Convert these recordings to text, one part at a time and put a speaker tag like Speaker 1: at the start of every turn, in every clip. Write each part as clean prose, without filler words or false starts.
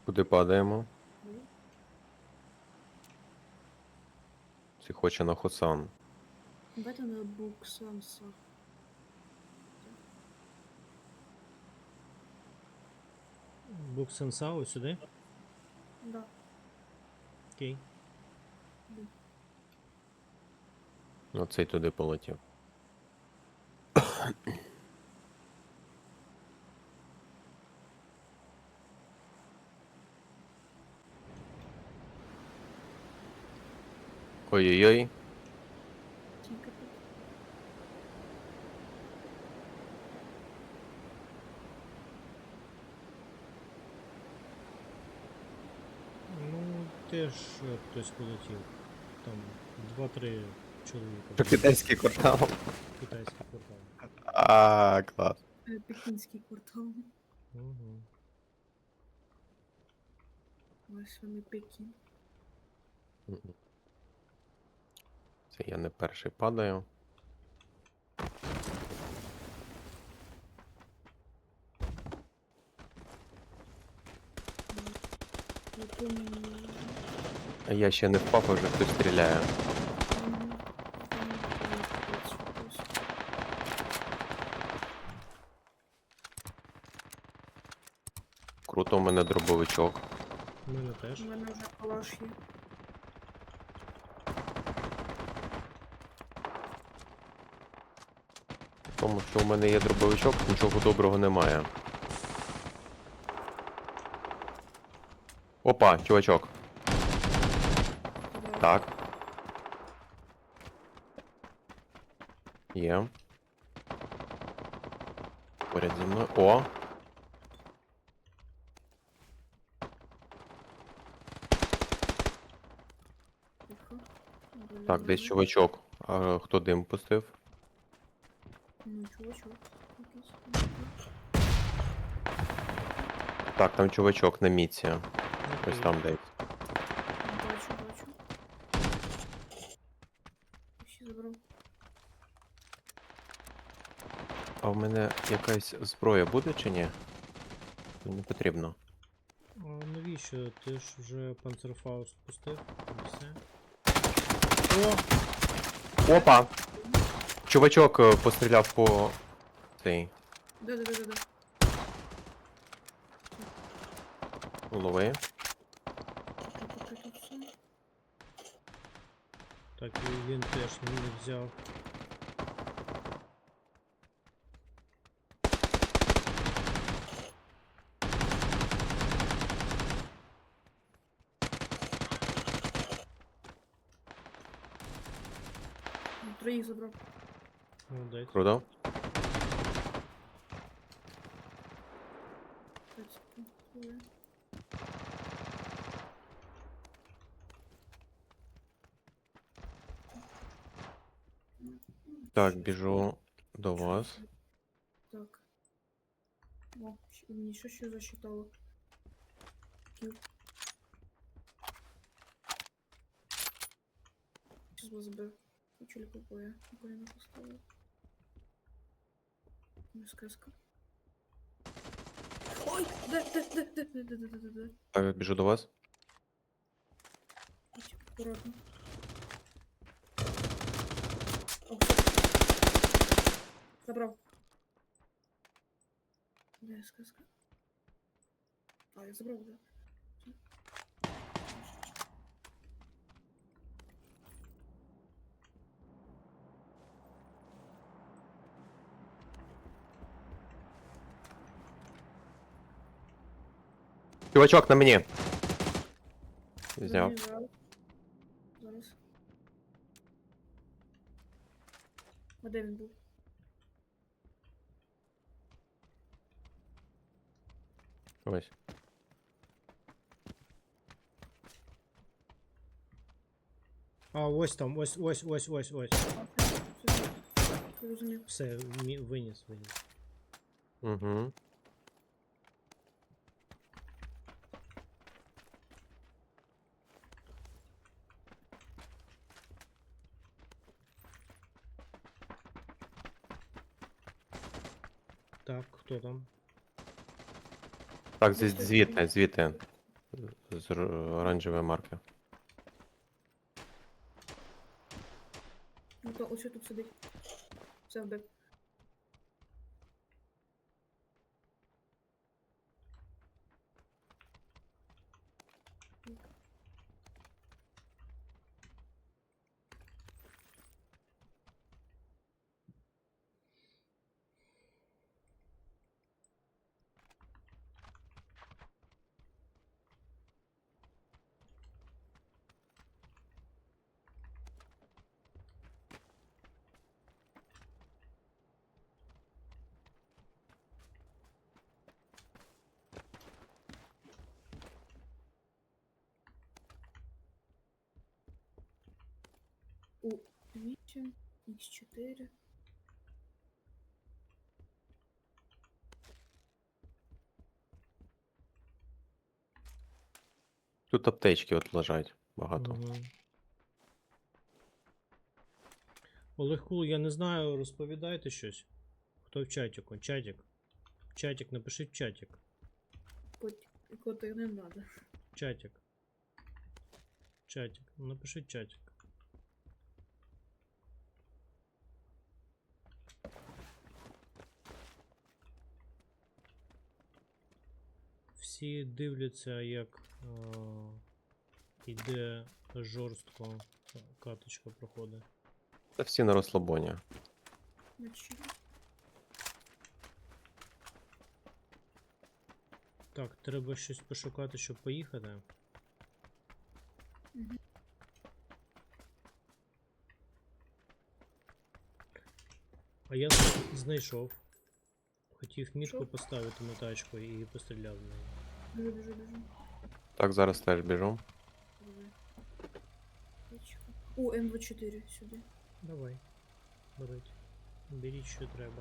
Speaker 1: Куди падаємо?
Speaker 2: Ну,
Speaker 1: Чи хоче на Хосан?
Speaker 2: давайте на Буксанса.
Speaker 3: Буксенсау сюди?
Speaker 2: Да.
Speaker 3: Окей.
Speaker 1: Оцей туди полетів. Ой-ой-ой.
Speaker 2: Тільки тут.
Speaker 3: Ну, теж хтось полетів. Там 2-3 чоловіка.
Speaker 1: Це китайський квартал.
Speaker 3: Китайський квартал.
Speaker 1: А, клас.
Speaker 2: Пекінський квартал.
Speaker 3: Угу.
Speaker 2: Ось вони Пекін.
Speaker 1: Це я не перший падаю. А я ще не впав, а вже хтось стріляє. Круто, у мене дробовичок.
Speaker 3: У мене теж.
Speaker 2: У мене вже калаш є.
Speaker 1: Тому що у мене є дробовичок, нічого доброго немає. Опа, чувачок. Так. Є. Поряд зі мною. О!
Speaker 2: Тихо.
Speaker 1: Так, десь чувачок. А хто дим пустив?
Speaker 2: Ну, чувачок. Якийсь.
Speaker 1: Так, там чувачок на міці. Ось
Speaker 3: Окей.
Speaker 1: там десь.
Speaker 2: Бачу. Ще забрав.
Speaker 1: А в мене якась зброя буде чи ні? Не потрібно.
Speaker 3: А навіщо? Ти ж вже Панцерфауст пустив? І все. О!
Speaker 1: Опа! Чувачок постріляв по цей
Speaker 2: Да.
Speaker 1: голови.
Speaker 3: Так, і він теж не взяв.
Speaker 2: Троїх забрав.
Speaker 3: Молодець.
Speaker 1: Круто.
Speaker 2: 5 секунд. Хвилин.
Speaker 1: Так, біжу до вас.
Speaker 2: Так. О, мені що засчитало. Кіл. Сейчас вас збив. Хочу ли купує. Коліна поставив. Ну, сказка. Ой! Де.
Speaker 1: Так, біжу до вас.
Speaker 2: Будь аккуратно. О. Забрав. Де сказка? А, я забрав, да.
Speaker 1: Чувачок на мені. Зняв.
Speaker 2: Забрав. Зараз. А де він був?
Speaker 1: Ось.
Speaker 3: А, ось там, ось.
Speaker 2: Розумів.
Speaker 3: Все, виніс.
Speaker 1: Угу.
Speaker 3: Так, хто там?
Speaker 1: Так, звідти. з оранжевої марки.
Speaker 2: Ну то ось тут сидить. Все вбив. У 8, Х4.
Speaker 1: Тут аптечки от лежать багато.
Speaker 3: Мгм. Олег Кул, я не знаю, розповідайте щось. Хто в чатіку? Чатік. Чатік, напишіть чатік.
Speaker 2: Коти не надо.
Speaker 3: Чатік. Чатік. Напишіть чатік. Всі дивляться, як іде жорстко каточка проходить.
Speaker 1: Та всі на розслабоні.
Speaker 2: Значить,
Speaker 3: Так, треба щось пошукати, щоб поїхати.
Speaker 2: Мгм.
Speaker 3: А я знайшов. Хотів мітку
Speaker 2: Що?
Speaker 3: поставити на тачку і постріляв в неї.
Speaker 2: Біжу.
Speaker 1: Так, зараз теж біжу.
Speaker 2: Давай. Точка. О, М24 сюди.
Speaker 3: Давай. Беріть. Беріть, що треба.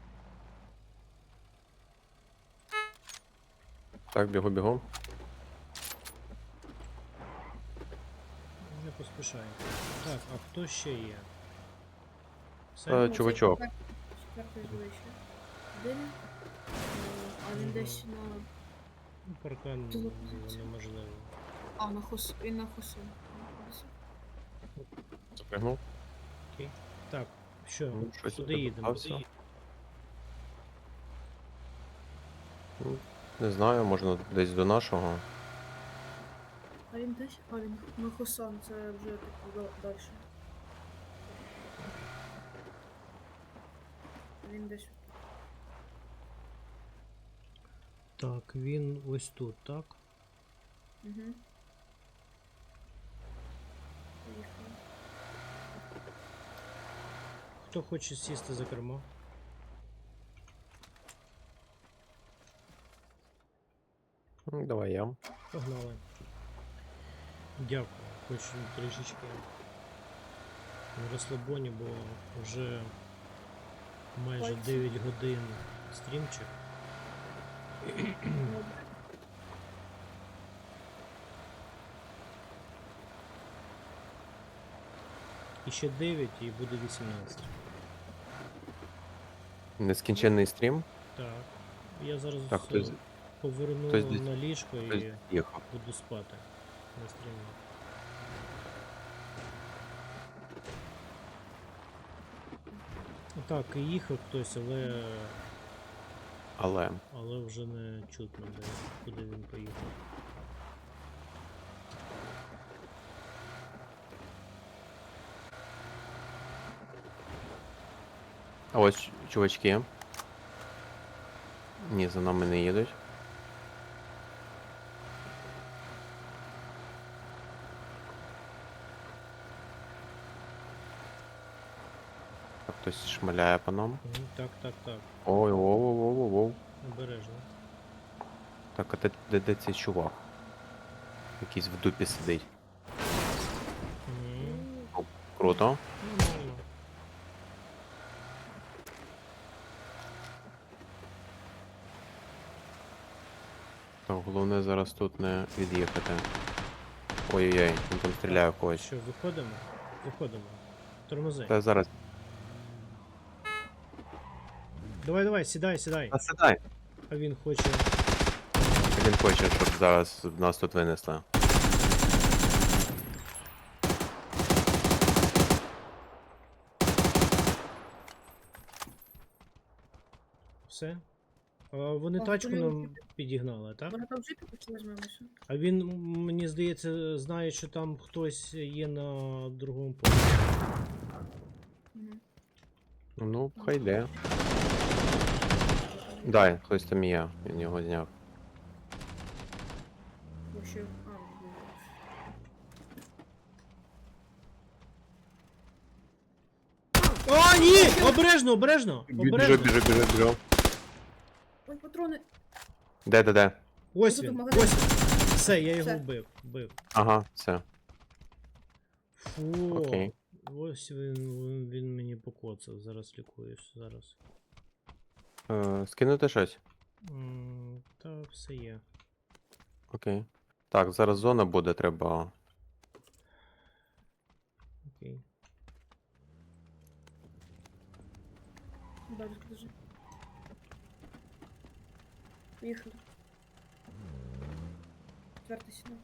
Speaker 1: Так, бігу.
Speaker 3: Не поспішай. Так, а хто ще є?
Speaker 1: Чувачок.
Speaker 2: Четвертий звичай. Де він? А він
Speaker 3: Мгм.
Speaker 2: десь на...
Speaker 3: Ну, паркан
Speaker 2: Ти лопнеться.
Speaker 3: неможливо.
Speaker 2: А, на хос... Він на хосу.
Speaker 1: Запрягнув.
Speaker 3: Окей. Так, що,
Speaker 1: Ну, щось
Speaker 3: куди
Speaker 1: я
Speaker 3: їдемо?
Speaker 1: попався. Ну, не знаю, можна десь до нашого.
Speaker 2: А він десь? А, він на хосан, це вже типу далі. Він десь.
Speaker 3: Так, він ось тут, так?
Speaker 2: Угу. Поїхали.
Speaker 3: Хто хоче сісти за кермо?
Speaker 1: Ну, давай я.
Speaker 3: Погнали. Дякую. Хочу трішечки на розслабоні, бо вже майже
Speaker 2: Пальці.
Speaker 3: 9 годин стрімчик.
Speaker 2: Добре.
Speaker 3: І ще 9 і буде 18.
Speaker 1: Нескінченний стрім.
Speaker 3: Так. Я зараз
Speaker 1: Так, хтось-
Speaker 3: поверну
Speaker 1: хтось десь-
Speaker 3: на ліжко
Speaker 1: Хтось
Speaker 3: і
Speaker 1: їхав.
Speaker 3: буду спати на стрімі. Так, і їхав хтось, але вже не чутно, куди він поїхав.
Speaker 1: А ось чувачки. Ні, за нами не їдуть. Так, хтось шмаляє по нам.
Speaker 3: Мгм, так, так, так.
Speaker 1: Ой, воу.
Speaker 3: Обережно.
Speaker 1: Так, а де цей чувак? Якийсь в дупі сидить.
Speaker 3: Мгм,
Speaker 1: Круто.
Speaker 3: нормально.
Speaker 1: Так, головне зараз тут не від'їхати. Ой-ой-ой, він там стріляє в когось.
Speaker 3: Що, виходимо? Виходимо. Тормози.
Speaker 1: Та зараз.
Speaker 3: Давай, сідай.
Speaker 1: Та сідай.
Speaker 3: А він хоче.
Speaker 1: Він хоче, щоб зараз нас тут винесли.
Speaker 3: Все? А вони
Speaker 2: А,
Speaker 3: тачку
Speaker 2: вони
Speaker 3: нам підігнали, так?
Speaker 2: Може там джипі поки візьмемося?
Speaker 3: А він, мені здається, знає, що там хтось є на другому поверсі.
Speaker 2: Мгм.
Speaker 1: Ну, хай йде. Дай, хтось там є, він його зняв.
Speaker 2: Вообще,
Speaker 3: О, ні! Обережно, обережно! Обережно!
Speaker 1: Біжу.
Speaker 2: Ой, патрони!
Speaker 1: Де?
Speaker 3: Ось
Speaker 2: Тут
Speaker 3: він,
Speaker 2: магазин.
Speaker 3: ось він. Все, я його
Speaker 2: Все.
Speaker 3: вбив.
Speaker 1: Ага, все.
Speaker 3: Фу.
Speaker 1: Окей.
Speaker 3: Ось він мені покоцав. Зараз лікуюсь, зараз.
Speaker 1: Скинути щось?
Speaker 3: Та все є.
Speaker 1: Окей. Так, зараз зона буде, треба.
Speaker 3: Окей.
Speaker 2: Далі скажи. Поїхали. Четвертий сюди.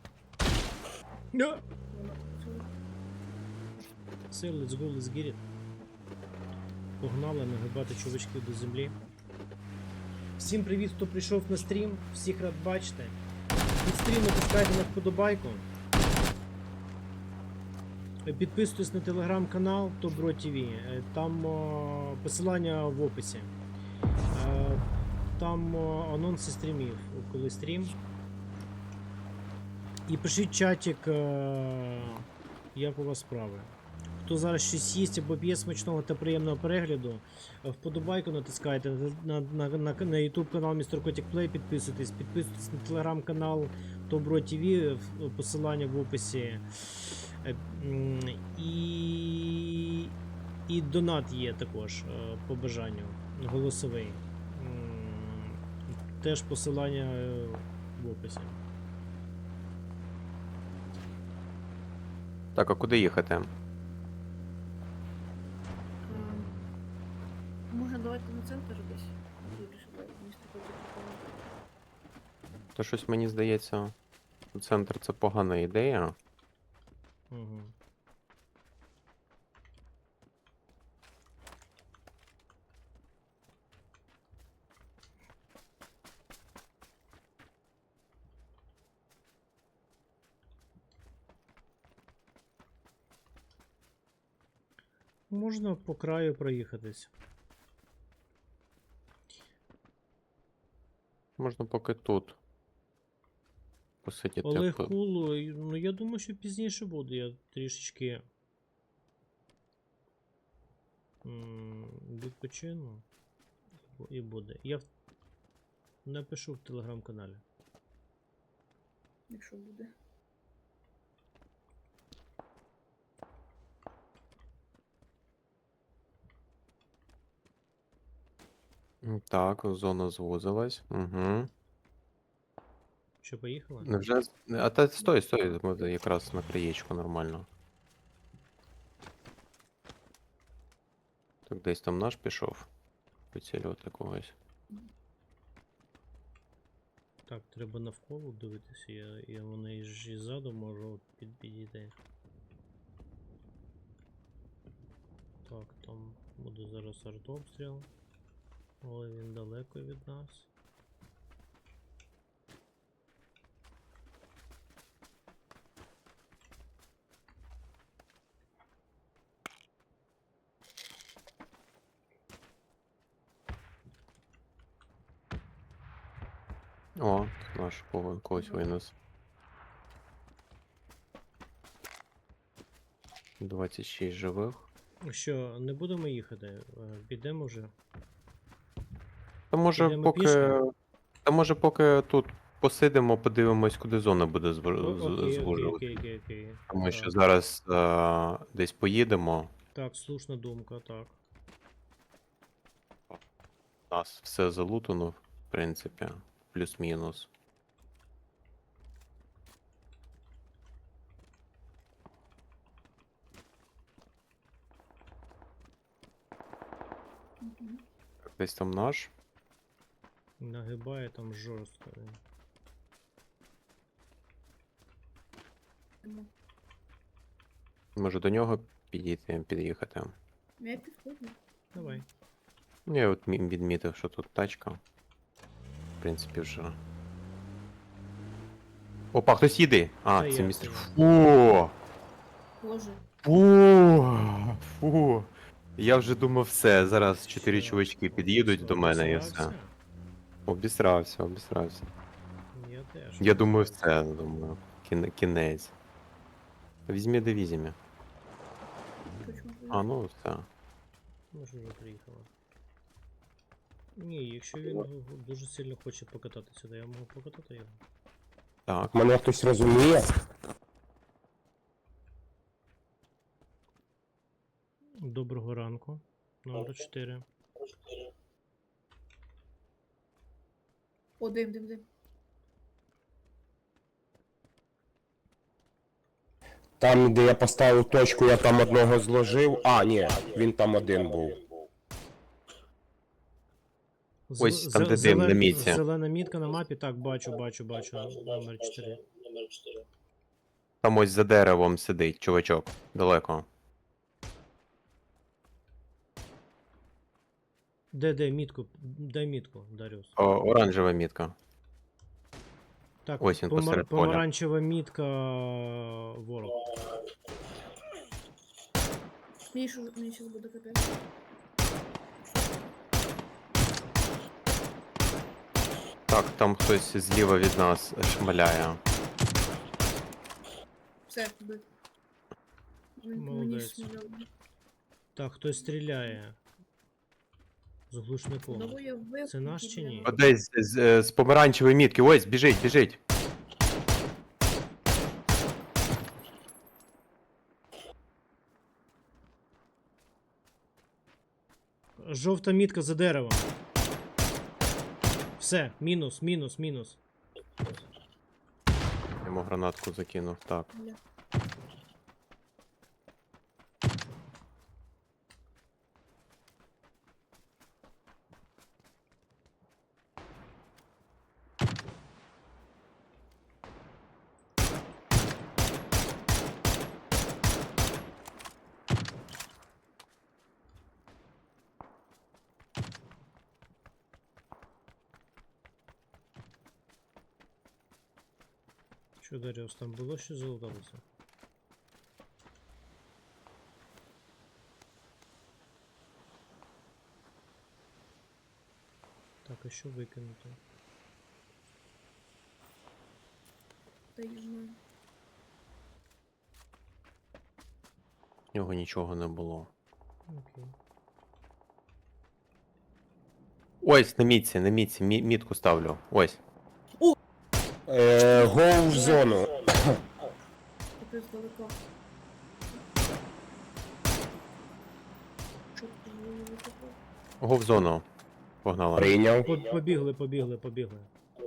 Speaker 3: Все, let's go, let's get it. Погнали нагибати чувачків до землі. Всім привіт, хто прийшов на стрім. Всіх рад бачити. Під стрім натискайте на вподобайку. Підписуйтесь на телеграм-канал Тобро ТВ. Там посилання в описі. Там анонси стрімів, коли стрім. І пишіть чатик, як у вас справи. Хто зараз щось їсть або п'є смачного та приємного перегляду, вподобайку натискайте на YouTube канал Mr. Kotick Play, підписуйтесь на телеграм-канал Тобро ТВ, посилання в описі. І донат є також по бажанню, голосовий. Теж посилання в описі.
Speaker 1: Так, а куди їхати?
Speaker 2: Може давайте на центр десь? Добре, щоб місто потім.
Speaker 1: То щось мені здається, центр це погана ідея.
Speaker 3: Угу. Можна по краю проїхатись.
Speaker 1: Можна поки тут посидіти.
Speaker 3: Олег Кулу, ну я думаю, що пізніше буде. Я трішечки відпочину і буде. Я напишу в телеграм-каналі.
Speaker 2: Якщо буде.
Speaker 1: Так, зона звузилась. Угу.
Speaker 3: Що, поїхали?
Speaker 1: Невже. А та стой, ми якраз на краєчку нормально. Так, десь там наш пішов. Поцілювати когось.
Speaker 3: Так, треба навколо дивитися, я вони ж і ззаду можу підійти. Так, там буде зараз артобстріл. Але він далеко від нас.
Speaker 1: О, тут наш когось винес. 26 живих.
Speaker 3: Що, не будемо їхати? Підемо вже.
Speaker 1: Та може
Speaker 3: Підемо
Speaker 1: поки.
Speaker 3: пішки?
Speaker 1: Та може поки тут посидимо, подивимось, куди зона буде
Speaker 3: Окей,
Speaker 1: звужувати.
Speaker 3: окей.
Speaker 1: Тому що
Speaker 3: Так.
Speaker 1: зараз десь поїдемо.
Speaker 3: Так, слушна думка, так.
Speaker 1: У нас все залутано, в принципі, плюс-мінус.
Speaker 2: Мгм.
Speaker 1: Так, десь там наш.
Speaker 3: Нагибає там жорстко.
Speaker 2: Тому
Speaker 1: Може до нього під'їхати.
Speaker 2: я підходжу.
Speaker 3: Давай.
Speaker 1: Ну, я от відмітив, що тут тачка. В принципі, вже. Опа, хтось їде! А,
Speaker 3: Та
Speaker 1: це
Speaker 3: я,
Speaker 1: містер.
Speaker 3: та я.
Speaker 1: Фу!
Speaker 2: Боже.
Speaker 1: Фу! Фу! Я вже думав, все, зараз 4
Speaker 3: Все,
Speaker 1: чувачки під'їдуть до мене і все.
Speaker 3: обісрався?
Speaker 1: Обісрався, обісрався.
Speaker 3: Я теж.
Speaker 1: Я думаю, все, думаю. Кінець. Візьмі да візьмі.
Speaker 2: Почему?
Speaker 1: А, ну все.
Speaker 3: Може вже приїхала. Ні, якщо він дуже сильно хоче покататися, то я можу покатати його.
Speaker 1: Так.
Speaker 4: Мене хтось розуміє?
Speaker 3: Доброго ранку. Номер 4.
Speaker 2: О, дим.
Speaker 4: Там, де я поставив точку, я там одного зложив. А, ні, він там один був.
Speaker 1: Ось там, де дим, на місці.
Speaker 3: Зелена мітка на мапі, так, бачу. Номер 4.
Speaker 1: Там ось за деревом сидить чувачок. Далеко.
Speaker 3: Де мітку? Дай мітку, Даріус.
Speaker 1: Оранжева мітка.
Speaker 3: Так,
Speaker 1: Ось він посеред поля.
Speaker 3: помаранчева мітка ворог.
Speaker 2: Мені зараз буде капець.
Speaker 1: Так, там хтось зліва від нас шмаляє.
Speaker 2: Все, вбив. Мені
Speaker 3: Молодець.
Speaker 2: сміяло.
Speaker 3: Так, хтось стріляє. З глушником.
Speaker 2: Одного я вбив.
Speaker 3: Це наш чи ні?
Speaker 1: Десь з помаранчевої мітки. Ось, біжить.
Speaker 3: Жовта мітка за деревом. Все, мінус.
Speaker 1: Йому гранатку закинув. Так.
Speaker 2: Бля.
Speaker 3: Що, Даріус, там було що залуталося? Так, а що викинути?
Speaker 2: Та я знаю.
Speaker 1: В нього нічого не було.
Speaker 3: Окей.
Speaker 1: Ось, на мітці, мітку ставлю. Ось.
Speaker 4: Гоу в зону.
Speaker 2: Капець далеко. Чорт, я не викопав.
Speaker 1: Го в зону. Погнала.
Speaker 4: Прийняв.
Speaker 3: Побігли.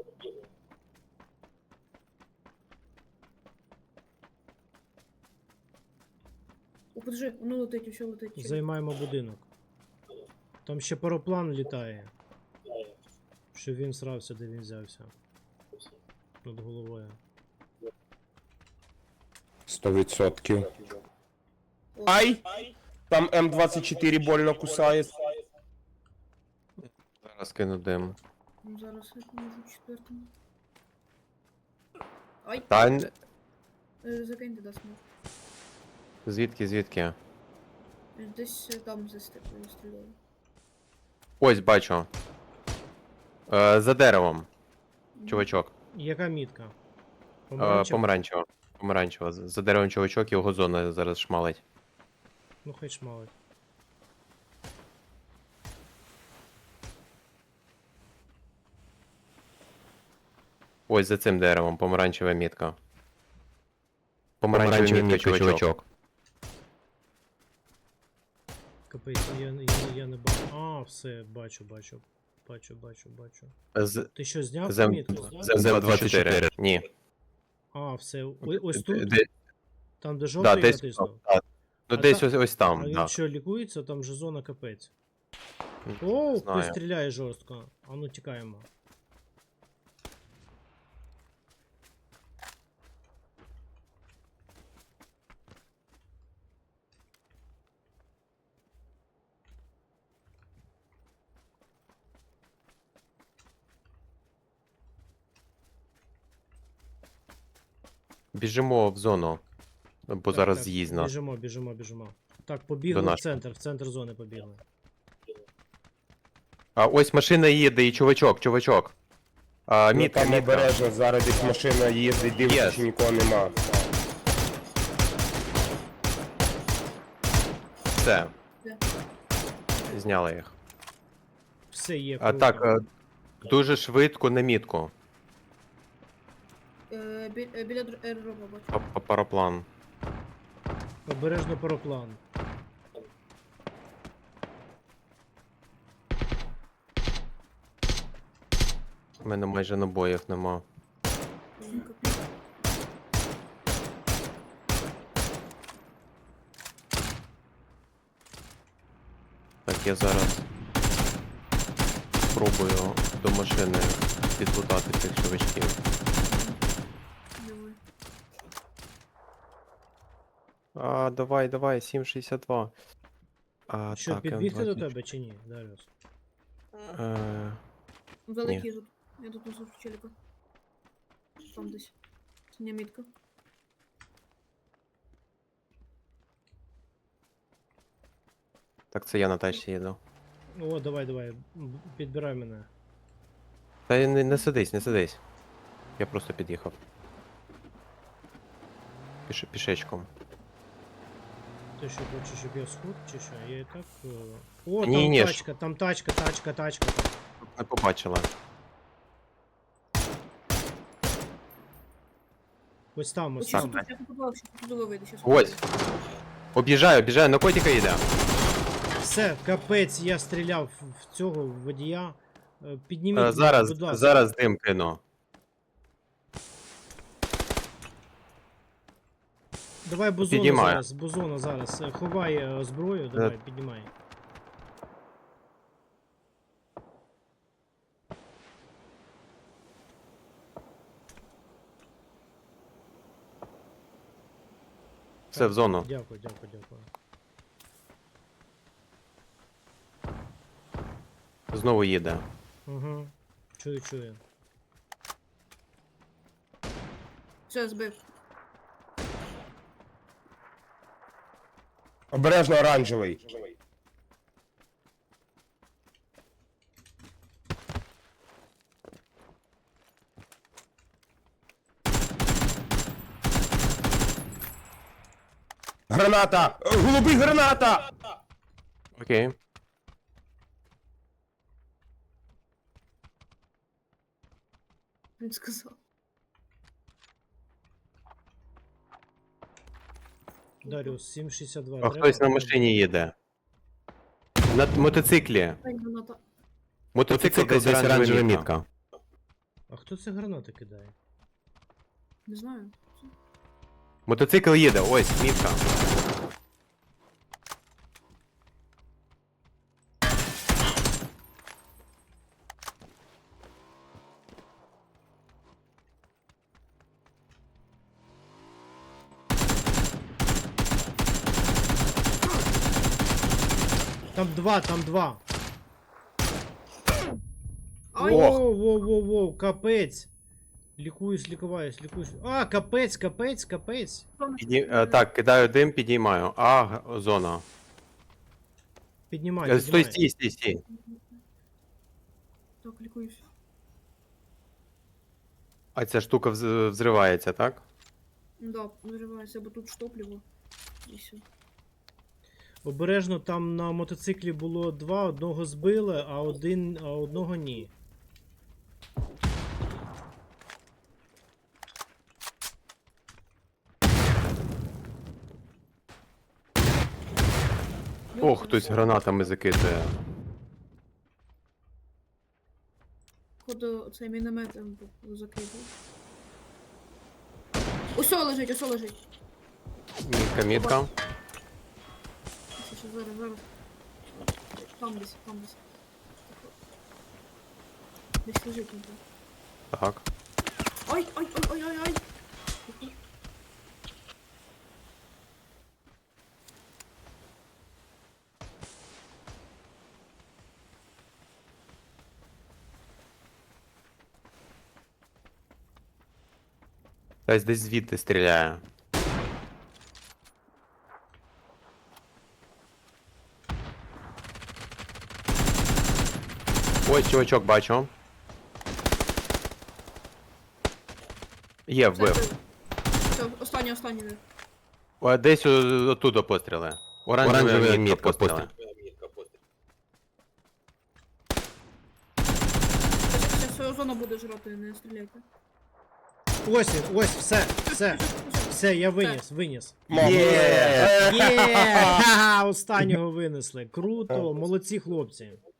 Speaker 2: О, подожди, воно летить, усе летить.
Speaker 3: Займаємо будинок. Там ще пароплан літає. Що він срався, де він взявся. Над головою.
Speaker 4: 100%.
Speaker 2: О,
Speaker 4: Ай! Там М24 больно кусає.
Speaker 1: Зараз кину дим.
Speaker 2: ну зараз я поможу четвертому. Ай,
Speaker 1: Та
Speaker 2: закиньте дасть мов.
Speaker 1: звідки?
Speaker 2: Десь там стріляли.
Speaker 1: Ось бачу. За деревом. Чувачок.
Speaker 3: Яка мітка?
Speaker 1: Помаранчева. За деревом чувачок, його зона зараз шмалить.
Speaker 3: Ну хай шмалить.
Speaker 1: Ось за цим деревом, помаранчева мітка. Помаранчева мітка, чувачок.
Speaker 3: Капець, я не бачу. А, все, бачу. Ти що, зняв
Speaker 1: Зем-
Speaker 3: мітку?
Speaker 1: ЗМ-24. Ні.
Speaker 3: А, все. Ось тут?
Speaker 1: Де-
Speaker 3: Там, де
Speaker 1: Да,
Speaker 3: жовтий я
Speaker 1: десь,
Speaker 3: натиснув.
Speaker 1: ну,
Speaker 3: А
Speaker 1: десь
Speaker 3: та-
Speaker 1: ось
Speaker 3: А
Speaker 1: там,
Speaker 3: він
Speaker 1: так.
Speaker 3: що, лікується? Там же зона капець.
Speaker 1: Не
Speaker 3: О, хтось
Speaker 1: знаю.
Speaker 3: стріляє жорстко. А ну тікаємо.
Speaker 1: Біжимо в зону. Бо
Speaker 3: Так,
Speaker 1: зараз
Speaker 3: так,
Speaker 1: з'їзд нас.
Speaker 3: Біжимо. Так, побігли
Speaker 1: До
Speaker 3: в
Speaker 1: нас.
Speaker 3: центр зони побігли.
Speaker 1: А ось машина їде і чувачок.
Speaker 4: Ну
Speaker 1: Мітка,
Speaker 4: там
Speaker 1: мітка.
Speaker 4: обережно, зараз десь машина їздить, дивиться,
Speaker 1: Yes.
Speaker 4: чи нікого нема.
Speaker 1: Все.
Speaker 2: Де?
Speaker 1: Зняли їх.
Speaker 3: Все є.
Speaker 1: А
Speaker 3: круто.
Speaker 1: так, дуже швидко на мітку.
Speaker 2: Біля аеропорту бачу.
Speaker 1: Параплан.
Speaker 3: Обережно пароплан.
Speaker 1: У мене майже набоїв нема.
Speaker 2: Капець.
Speaker 1: Так, я зараз спробую до машини підлутати цих чувачків.
Speaker 2: Давай.
Speaker 1: Давай, 7,62.
Speaker 3: Що,
Speaker 1: так,
Speaker 3: підбігти до
Speaker 1: М20.
Speaker 3: тебе чи ні, Даріус?
Speaker 2: Великий тут. Я тут несу челіка. Там десь. Синя мітка.
Speaker 1: Так, це я на тачці їду.
Speaker 3: О, давай. Підбирай мене.
Speaker 1: Та не сидись, не сидись. Я просто під'їхав. Пішечком.
Speaker 3: Ти що хочеш, щоб я схуд, чи що? Я і так. О,
Speaker 1: Ні,
Speaker 3: там
Speaker 1: ж.
Speaker 3: тачка, там тачка.
Speaker 1: Не побачила.
Speaker 3: Ось там, ось
Speaker 2: Ось
Speaker 3: там.
Speaker 2: тут я попав, що туди вийде. Щас
Speaker 1: Ось. Об'їжджаю, на котика їде.
Speaker 3: Все, капець, я стріляв в цього водія. Підніміть мене,
Speaker 1: Зараз,
Speaker 3: будь ласка.
Speaker 1: зараз дим кину.
Speaker 3: Давай бузону
Speaker 1: Піднімаю.
Speaker 3: зараз. Ховай зброю, давай, піднімай.
Speaker 1: Все, в зону.
Speaker 3: Дякую.
Speaker 1: Знову їде.
Speaker 3: Угу. Чую.
Speaker 2: Все, збив.
Speaker 4: Обережно оранжевий. Граната! Голубий граната!
Speaker 1: Окей.
Speaker 2: Він сказав.
Speaker 3: Даріус, 7,62.
Speaker 1: А хтось на машині їде. На мотоциклі.
Speaker 2: Ай, граната.
Speaker 1: Мотоцикл десь оранжева мітка.
Speaker 3: А хто це гранати кидає?
Speaker 2: Не знаю.
Speaker 1: Мотоцикл їде, ось, мітка.
Speaker 3: Там два.
Speaker 2: Ай,
Speaker 3: Воу, капець. Лікуюсь. А, капець.
Speaker 1: Так, кидаю дим, підіймаю. Зона.
Speaker 3: Піднімай.
Speaker 1: Стій.
Speaker 2: Так, лікуюсь.
Speaker 1: А ця штука взривається, так?
Speaker 2: Да, виривається, бо тут штопливо. І все.
Speaker 3: Обережно там на мотоциклі було два, одного збили, а одного ні.
Speaker 1: О, хтось гранатами закидує.
Speaker 2: Походу, цей міномет закидав. Усьо лежить.
Speaker 1: Мітка.
Speaker 2: Ще зараз. Там десь. Десь лежить він там.
Speaker 1: Так.
Speaker 2: Ай!
Speaker 1: Хтось десь звідти стріляє. Ой, чувачок бачу. Є,
Speaker 2: Все,
Speaker 1: вбив.
Speaker 2: вбили. Все, останній.
Speaker 1: О, десь оттуда постріли. Оранжева мітка постріли.
Speaker 2: Зараз свою зону буде жрати, не стріляйте.
Speaker 3: Ось він, ось, все, я виніс.
Speaker 1: Є!
Speaker 3: Є! Ха-ха, останнього винесли. Круто, молодці хлопці.